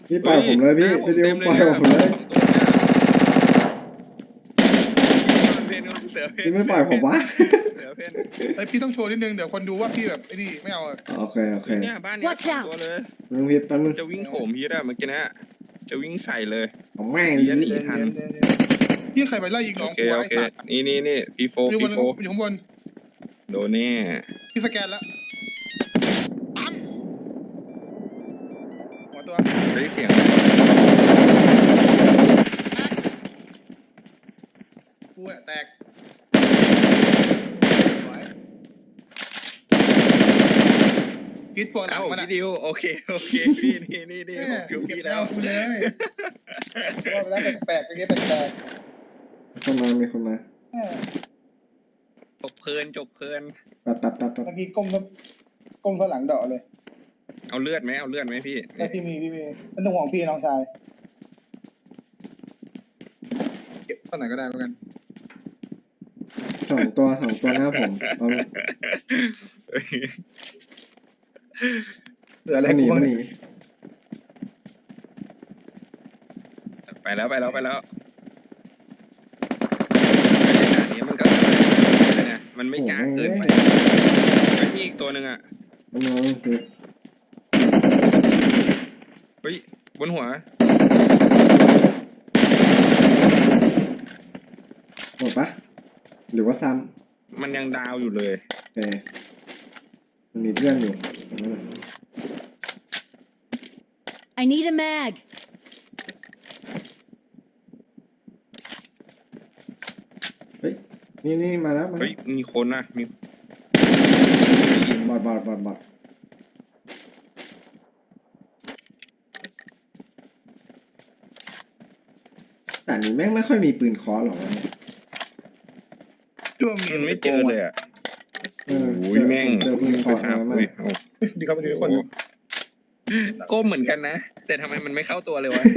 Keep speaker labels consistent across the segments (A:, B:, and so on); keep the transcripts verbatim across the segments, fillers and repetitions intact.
A: พี่ปล่อยผมเลยพี่พี่ดิวปล่อยผมเลยพี่ไม่ปล่อยผมวะ
B: ไอพี่ต้องโชว์นิดนึงเดี๋ยวคนดูว่าพี่แบบไอ้นี่ไม่เอา
A: โอเคโอเค
C: เนี่ยบ้านนี้สองตัวเลย
A: มึงพิษแป๊บนึง
C: จะวิ่งโถมพีทอะเมื่อกี้นะจะวิ่งใส่เลย
A: ผมแม่ง
C: เดี๋ยว
A: นี่
C: หนีทัน
B: พี่ใครไปไล่ยิงน้
C: โอ
B: อง
C: เค
B: กู
C: โอ
B: ไอ้
C: เค
B: สัตว์
C: นี่นี่นี่ซีโฟ
B: อยู่บ
C: ซี
B: น
C: โฟ
B: อยู่ข้างบน
C: โดนแน่
B: พี่สแกนแล้วปั๊มหัวตัว
C: ได้เสียง
B: กูอะแตกคิดปวดหลั
C: เอ้าง
B: มันอะ
C: พี่ดิวโอเคโอเคพี่นี่นี่นี่ผมจู
B: เก็บ
C: พี่
B: แล้
C: แล้ว ว
B: กูเลยว่าไปแล้วแปลกๆไปเงี้ยแปลก
A: คนมามีคนมา
C: จบเพลินจบเพลิน
A: แป๊บแป๊บแป๊บแป๊บ
B: เมื่อกี้ก้มก้มข้างหลังเดาะเลย
C: เอาเลือดไหมเอาเลือดไหมพี่
B: แต่พี่มีพี่มีเป็นต้องห่วงพี่น้องชายเก็บเท่าไหร่ก็ได้เหมือนกัน
A: สองตัวสองตัวหน้าผมเอา
B: เหลืออะไร
A: หนี
B: กูบ้าง
A: ห
B: เนี่
A: นี
B: ย
C: ไปแล้วไปแล้วไปแล้วอันนี้มันก็นะมันไม่กล้าเกินไปไม่มีอีกตัวหนึ่งอ่ะ
A: เอาน้องคือ
C: เฮ้ยบนหัว
A: หมดปะหรือว่าซ้
C: มันยังดาวอยู่เลย
A: ำโอเคมันมีเพื่อนอยู่
D: I need a mag.
A: เฮ้ยนี่นี่มาแล้วมา
C: เฮ้ยมีคนนะมี
A: บอดบอดบอดบอดแต่นี้แม่งไม่ค่อยมีปืนเคอหรอกวะเนี่ย
B: ช่วง
C: มันไม่เจอเลยอ่ะ
A: เออ
C: โอ้ยแม่ง
A: เจอปืนเคอ
C: ไปหา
A: น้อยมา
C: อุ้ย
A: ก
C: เอา
B: ดีครับดีทุกคน
C: ก้มเหมือนกันนะ แต่ทำไมมันไม่เข้าตัวเลยวะ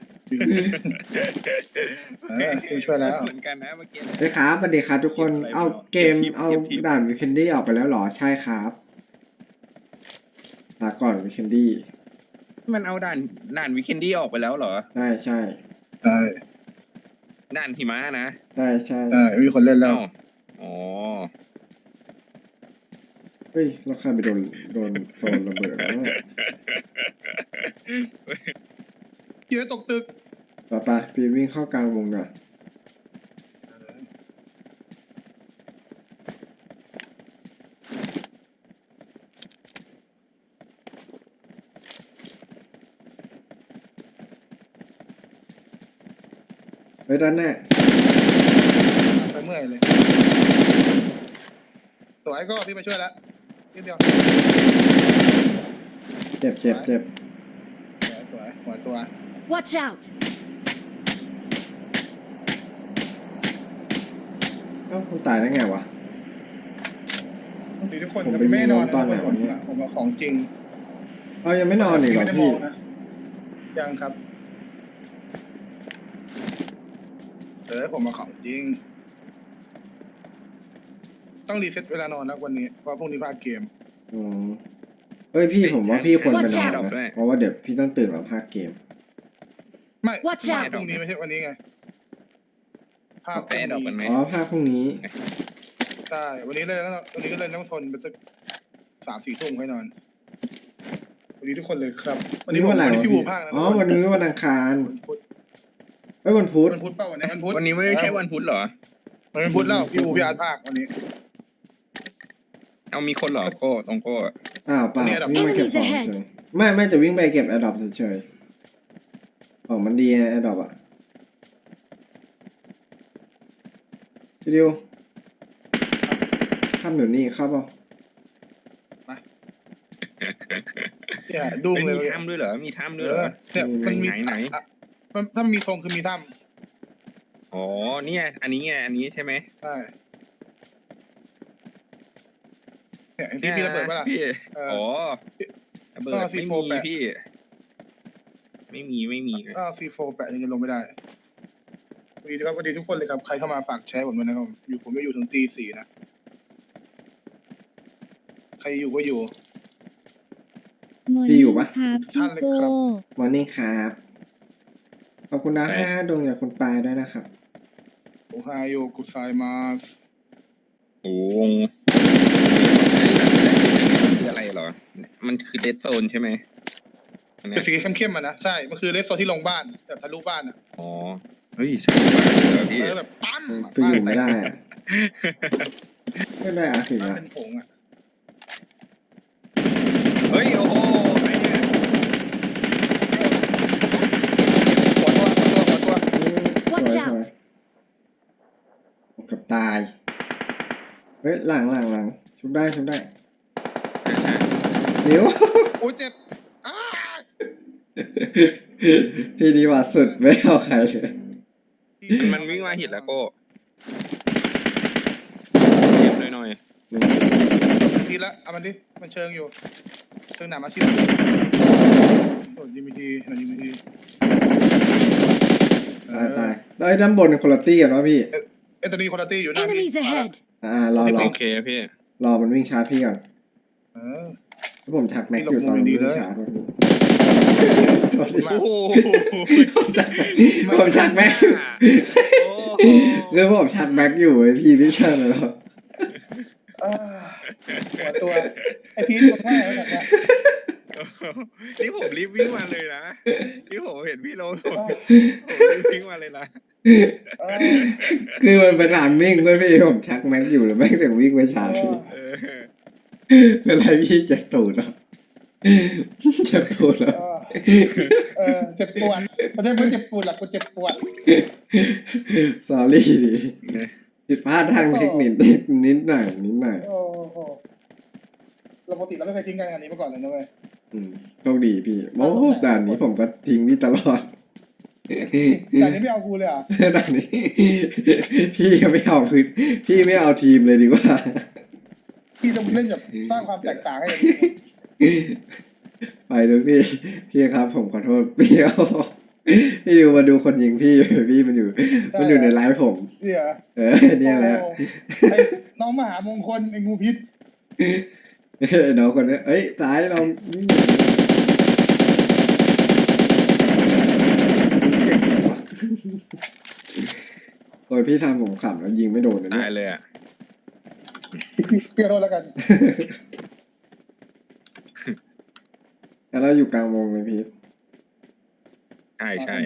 B: เออช่วยแล้ว
C: เหมือนกันนะเมื่อกี้
A: เฮ้ยครับสวัสดีครับทุกคนเอาเกมเอาด่านวิคนดี้ออกไปแล้วเหรอใช่ครับลาก่อนวิคนดี้
C: มันเอาด่านด่านวีเคนดี้ออกไปแล้วเหรอ
A: ใช่ใช่
B: ใช่
C: ด่านหิมะนะ
A: ใช่ใช่
B: ใช่มีคนเล่นแล้ว
C: เอ้าอ๋อ
A: เฮ้ยเราใครไปโดนโดนโซนระเบิดแล้วเนี่ย
B: เยอะตกตึก
A: ต่อไปพี่วิ่งเข้ากลางวงก่อนเฮ้ยด้านหน้า
B: ไปเมื่อยเลยตัวไอ้ก็พี่ไปช่วยแล้วนิดเดียว
A: เจ็บเจ็บเจ็บ
B: สวยหัวตัว
D: Watch out.
A: เอ้าคุณตายได้ไงวะ
B: ดีทุกคนไม่นอนผมผมของจริง
A: เรายังไม่นอนอีกเหรอพี่
B: ยังครับเออผมมาของจริงต้องรีเซ็ตเวลานอนแล้ววันนี้เพราะพรุ่งนี้พลาดเกม
A: อืมเฮ้ยพี่ผมว่าพี่ควรไปนอน
D: Watch out
A: นะเพราะว่าเดี๋ยวพี่ต้องตื่นมาพากย์เกม
B: ไม่
D: Watch
B: ไม่
D: out
B: พรุ่งนี้ไม่ใช่วันนี้ไงภาพพ
C: แปะดอกกันไหม
A: อ๋อพากย์พรุ่งนี้
B: ใช่วันนี้เลยวันนี้ก็เลยต้องทนไปสักสามสี่ทุ่มให้นอนวันนี้ทุกคนเลยครับวันนี้ผม
A: วันไหน
B: วันนี้
A: วะ
B: พี่
A: พี่
B: บูภาคนะ
A: อ๋อวันนี้วันอังคาร
B: วันพุธ
A: เฮ้ยวันพุธ
B: วันพุธเปล่าวันนี้วันพุธ
C: วันนี้ไม่ใช่วันพุธเหรอ
B: มันเป็นพุธแล้วพี่บูพี่อาร์ตภาควันนี้
C: เอามีคนเหรอโก้ตรงโก้
A: อ้าวเปล่า
B: เนี่ยเหรอ
A: วิ่งไปเก็บของ
D: Enemies ahead
A: เฉยไม่ไม่จะวิ่งไปเก็บแอร์ดรอปเฉยๆของมันดีแอร์ดรอปอะวิดีโอข้ามอยู่นี่เข้าเปล่า
B: เนี่ยดุ้ง
C: ไม่
B: เลย
C: มีถ้ำด้วยเหรอมีถ้ำ
B: เอ
C: ด้วยเหร
B: อ
C: อ
B: เนี่ยมันมี
C: ไหนไหน
B: มันถ้ามีทรงคือมีถ้
C: อ๋อเนี่ยอันนี้ไงอันนี้ใช่ไหม
B: ำใช่เนี่ยเห็นพี่พี่ระเบิดปะล่ะ
C: พี่
B: เอออ๋
C: อ๋อระเบิด
B: ก็
C: ไม่
B: ซี
C: มี
B: โฟร์แปะ
C: พี่ ไม่มีไม่มี
B: ก็ซีโฟแปะถึงจะลงไม่ได้สวัสดีครับสวัสดีทุกคนเลยครับใครเข้ามาฝากแชร์ผมด้วยนะครับอยู่ผมจะอยู่ถึงตีสี่นะใครอยู่ก็อยู่
A: พี่อยู่ปะ
E: ครับพี่โก้
A: มอร์นิ่งครับขอบคุณนะห้าดวงจากคุณปายด้วยนะครับ
B: โอไฮโอกุไซมาส
C: โอ้วงคืออะไรเหรอ มันคือเดดโซนใช่ไหมอันเนี้
B: เป็น
C: ย
B: สีเข้มๆอ่ะนะใช่มันคือเลสโซนที่ลงบ้านแบบทะลุบ้านอ่ะ
C: อ๋อ เฮ้ยใช่เหรอพี่
B: เออแบบปั้ม
A: ไปอยู่ไม่ได้อะไม่ได้อาสิ
B: บ้าน
A: ละ
B: เป็นผงอ่ะ
C: เฮ้ย โอ้โหไอ้เนี่ย
B: หัวตัวหัวตัวหัวตัว
A: สวย
D: Watch
A: สวย
D: out!
A: กับตาย เฮ้ยหลังหลังหลังชุบได้ชุบได้นิ้ว
B: โอ้ยเจ็บอ้า
A: พี่ดีว่าสุดไม่เอาใครเลย
C: มันมันวิ่งมาหิดแล้วโก้เก็บหน่อยหน่อย
B: ทีละเอามันดิมันเชิงอยู่เชิงหนามาชิดโอ้ยยิมทีหน่อยยิมที
A: ตายตายแล้วไอ้ด้านบนคุณตี้กันวะพี่
B: เอตัวนี้คุณตี้อยู่หน้าพี่
D: Enemies ahead!
A: อ่ารอรอ
C: โอเคพี่
A: รอมันวิ่งชาร์จพี่ก่อน
B: เออ
A: แล้วผมชักแม็กอยู่ตอนมันวิ่งชาร์จวะพี่
C: โอ้โห
A: ผมชักผมชักแม็กอยู่
C: โอ้โห
A: คือผมชักแม็กอยู่ไอ้พี่พี่เชิญเลยหรอ
B: เออหัวตัวไอพีทตัวง่ายแล้วแบบเนี้ย
C: นี่ผมรีบวิ่งมาเลยนะนี่ผมเห็นพี่ลงผมผมรีบวิ่งมาเลยนะ
B: เออ
A: คือมันเป็นทางวิ่งเว้ยพี่ผมชักแม็กอยู่แล้วแม็กถึงวิ่งไปชาร์จพี่
C: เออ
A: เป็นไรพี่เจ็บตูดเหรอเจ็บตูดเหรอ
B: เออเจ็บปวดไม่ได้เพื่อเจ็บปวดหรอกกูเจ็บปวด
A: สอรี่ดิผิดพลาดทางเทคนิคนิดหน่อยนิดหน่อย
B: โอ้โหเราปกติเราไม่เคยทิ้งกันอย่างนี้มาก่อนเลยนะเว้ย
A: อืมโชคดีพี่โอ้ด่านนี้ผมก็ทิ้งพี่ตลอด
B: แต่นี้ไม่เอากูเลยอ่ะ
A: ด่านนี้ พี่ก็ไม่เอาคือพี่ไม่เอาทีมเลยดีกว่า
B: พี่ต้องเล่นแบบสร้างความแตกต่างให้
A: ไปดูพี่ พี่ครับ ผมขอโทษพี่เอาพี่อยู่มาดูคนยิงพี่พี่มันอยู่ มันอยู่ในไลฟ์ผม
B: เนี่ย
A: เออเนี่ยแหละ
B: ไอ้น้องมหามงคลไอ้งูพิษ
A: เอ้ยน้องคนนี้เอ้ยตายเราโอ้ยพี่ทำผมขำแล้วยิงไม่โดนนะ
C: ตา
A: เนี่ย
C: ยเลยอ่ะ
B: เปลี่ยนรถแล้วกัน
A: แล้วเราอยู่กลางวงเลยพี่
C: ใช่ใช่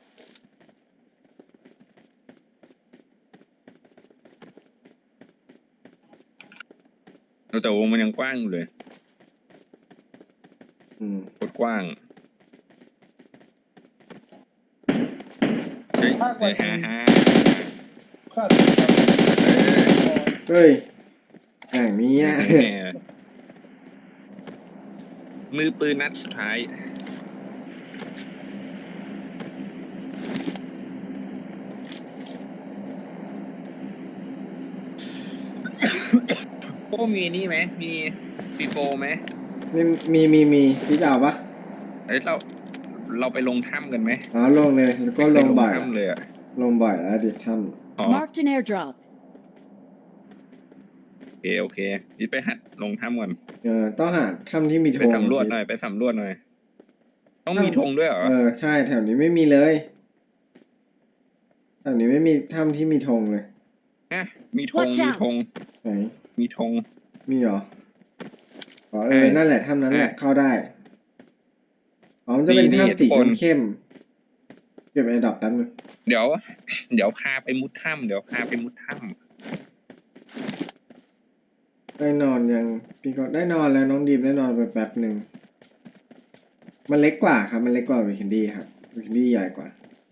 C: แต่วงมันยังกว้างอยู่เลย
A: อืม
C: โคตรกว้างเฮ้ยเฮ้ยฮ่าฮ่า
B: ข้า
A: เฮ้ยอย่างนี้อ่ะ
C: แหมมือปืนนัดสุดท้ายโอ้มีนี่ไหมมีปีโปไหม
A: มีมีมีมีพี่จะเอาปะ
C: เอ้ยเราเราไปลงถ้ำกันไหม
A: อ๋อลงเลยแล้วก็ลงบ่อย
C: ไปถ้ำเลยอ่ะ
A: ลงบ่อยแล้วดิท
C: อ๋อ
D: Marked an airdrop.
C: โอเคโอเคนี่ไปหัดลงถ้ำก่อน
A: ำเออต้องหาถ้ำที่มีธ
C: ไป
A: ง
C: สำรวจหน่อยไปสำรวจหน่อย ต้องมีธงด้วยเหรอ
A: เออใช่แถวนี้ไม่มีเลยแถวนี้ไม่มีถ้ำที่มีธงเลย
C: ฮะมีธง
D: Watch
C: มี
D: out
C: ธง
A: ไหน
C: มีธง
A: มีเหรออ๋อเออ
C: ใช่
A: นั่นแหละถ้ำนั้นแหละ
C: ใช่
A: เข้าได้อ๋อมันจะเป็น
C: นี่
A: ถ้ำสี
C: ทุกคน
A: เข้มๆเก็บไอ้ดอกแป๊บนึง
C: เดี๋ยว เดี๋ยวพาไปมุดถ้ำเดี๋ยวพาไปมุดถ้
A: ได้นอนยังพี่ก็ได้นอนแล้วน้องดีมได้นอนไปแป๊บหนึ่งมันเล็กกว่าครับ มันเล็กกว่าวิคินดี้ครับวิคินดี้ใหญ่กว่า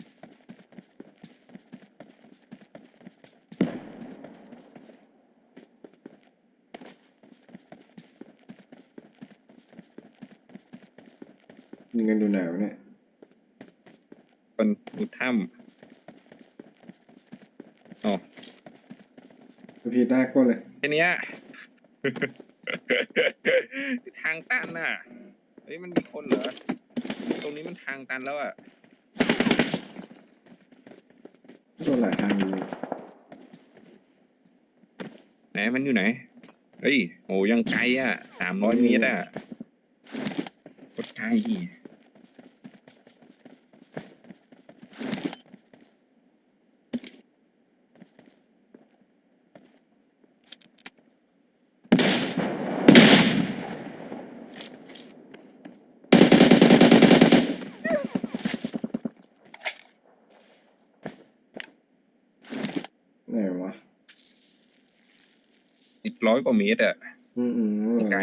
A: ยิงกันดูหนาวะเนี่ย
C: ำคนมุดถ้ำอ๋อ
A: พี่ได้ก้นเลย
C: ทีเนี้ย ทางตันน่ะเฮ้ยมันมีคนเหรอตรงนี้มันทางตันแล้วอ่ะ
A: โดนหลายทางอยู่
C: ไหนมันอยู่ไหนเฮ้ยโหยังไกลอ่ะสามร้อยเมตรอ่ะกดไกล
A: ไหนวะ
C: อีกร้อยกว่าเมตรอะ
A: อืมอืม
C: ไกล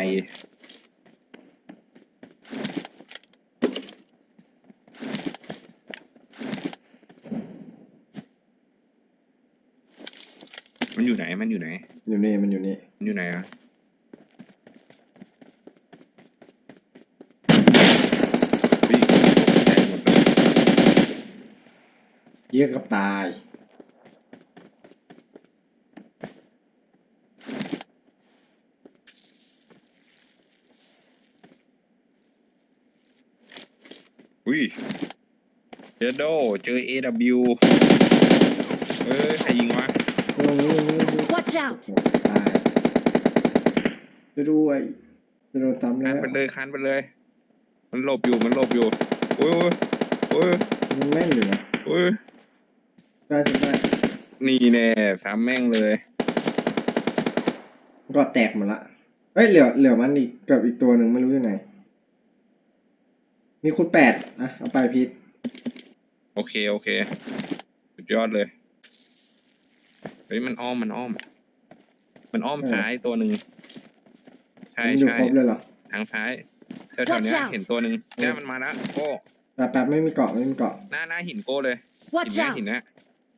C: มันอยู่ไหนมันอยู่ไหน
A: อยู่นี่มันอยู่นี่
C: มันอยู่ไหนอะวิ่งแตกหมดเลย
A: เยี่ยกับตาย
C: อุ้ยเจอโดเจอ เอ ดับเบิลยู เอ้ยใครยิงวะ
A: โอ้โห
D: Watch out!
A: ตายจะด้วยจะโดนซ้ำ
C: คั
A: แล้
C: น
A: ว
C: ไปเลยคันไปเลย มันหลบอยู่มันหลบอยู่โอ้ยโอ้ย
A: มันแม่นอยู่นะ
C: โอ้ย
A: ได้จะได้
C: นี่แน่สามแม่งเลย
A: ก็แตกหมดละเอ้ยเหลือเหลือมันอีกกับอีกตัวหนึ่งไม่รู้อยู่ไหน มีคุณแปดอ่ะเอาไปพีท
C: โอเคโอเคสุดยอดเลยเฮ้ยมันอ้อมมันอ้อม มันอ้อมซ้ายตัวหนึ่งใช่
A: มันอยู่
C: ใช่
A: ครบเลยเหรอ
C: ทางซ้ายแถวๆเนี้ย
D: Watch out
C: เห็นตัวหนึ่งเนี่ยมันมาแล้วโก้
A: แป๊บแป๊บไม่มีเกาะไม่มีเกาะ
C: หน้าหน้าหินโก้เลยหิน
D: Watch
C: เนี้ย
D: out!
C: หินเนี้ย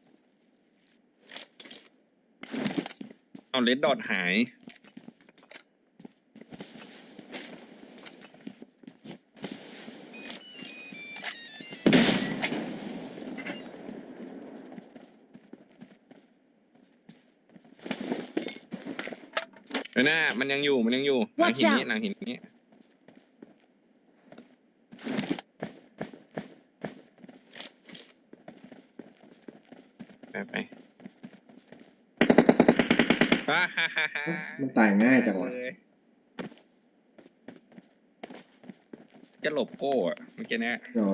C: เอาเลดดอทหายเฮ้ยหน้ามันยังอยู่มันยังอยู่หลัง
D: Watch
C: หินนี้
D: out
C: หลังหินนี้ไปไปฮ่าฮ่าฮ่าฮ่า
A: มันตายง่ายจังวะ
C: เลยจะหลบโก้อะเมื่อกี้เนี้ย
A: อ๋อ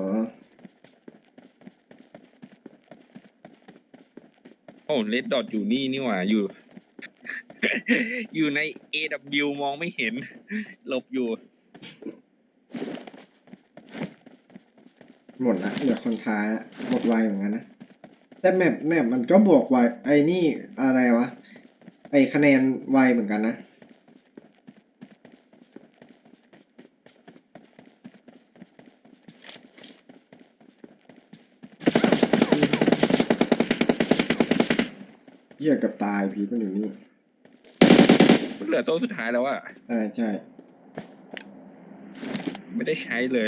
C: โอ้เลดดอทอยู่นี่นี่หว่าอยู่ อยู่ใน เอ ดับเบิลยู มองไม่เห็น หลบอยู่
A: หมดละเหลือคนท้ายละหมดไวเหมือนกันนะแต่แมปแมปมันก็บวกไวไอ้นี่อะไรวะไอ้คะแนนไวเหมือนกันนะเหี้ยกับตายพีทมันอยู่นี่
C: มันเหลือตัวสุดท้ายแล้วอะ
A: ใช่ใช่
C: ไม่ได้ใช้เลย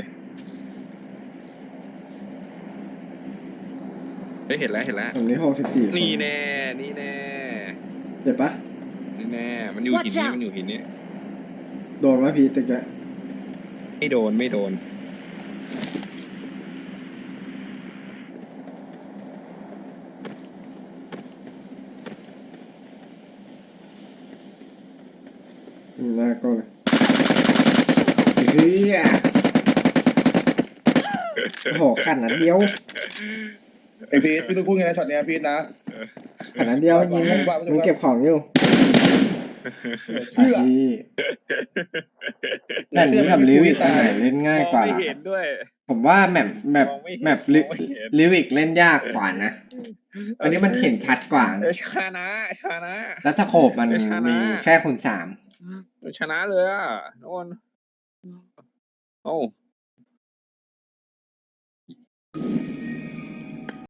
C: เฮ้ยเห็นแล้วเห็นแล้ว
A: ตรงนี้หกสิบสี่
C: นี่แน่นี่แน่
A: เจ็บปะ
C: นี่แน่มันอยู่หิน
D: Watch
C: นี้
D: out
C: มันอยู่หินนี้
A: โดนวะพีทตะแกะ
C: ไม่โดนไม่โดน
A: อืมหน้าก็เลยเฮียโอ้โหขันนัดเดียว
B: ไอพีทพี่ต้องพูดไงนะช็อตเนี้ยพีทนะ
A: ขันนัดเดียวยิงมึงมึงเก็บของอยู่
B: เชื่อ
A: พี่แมปนี้กับลิวิกอันไหนเล่นง่ายกว่า
C: มองไม่เห็นด้วย
A: ผมว่าแมปแมป
C: มองไม่เห็น
A: แมปลิ
C: มองไม่เห็น
A: ลิวิกเล่นยากกว่านะ อันนี้มันเห็นชัดกว่า
C: เออชนะชนะ
A: แล้วสโคปมัน
C: เดี๋ยวชนะ
A: มีแค่คูณสาม
C: ชนะเลยอ่ะโดนโอ้